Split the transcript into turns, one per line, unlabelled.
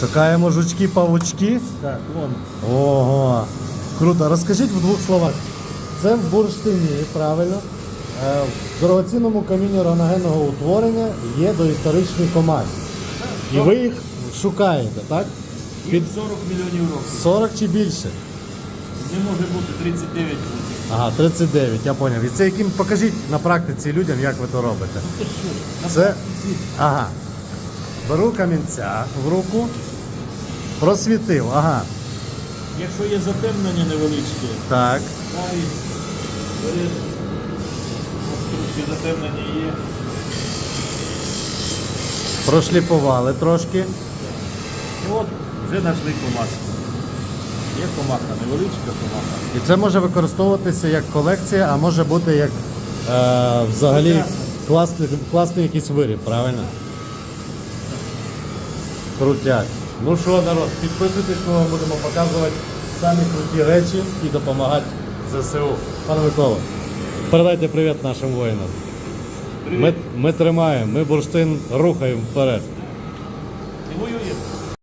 Шукаємо жучки-павучки.
Так, вон.
Ого. Круто. Розкажіть в двох словах. Це в бурштині, правильно? В дорогоцінному камінні раногенного утворення є доісторичні комахи. І ви їх шукаєте, так?
Під 40 мільйонів років.
40 чи більше?
Не може бути 39 буде.
Ага, 39, я зрозумів. І це яким покажіть на практиці людям, як ви то робите.
Ти що?
Це. Ага. Беру камінця в руку, просвітив. Ага.
Якщо є затемнення невеличке,
Так.
далі бери. Ось трошки затемнення є.
Прошліфували трошки.
І от вже знайшли комаху. Є комаха, невеличка комаха.
І це може використовуватися як колекція, а може бути як взагалі класний якийсь виріб, правильно? Крутяк. Ну що, народ, підписуйтесь, ми вам будемо показувати самі круті речі і допомагати ЗСУ. Пане Микола, передайте привіт нашим воїнам.
Привіт.
Ми тримаємо, ми бурштин рухаємо вперед.
І воюємо.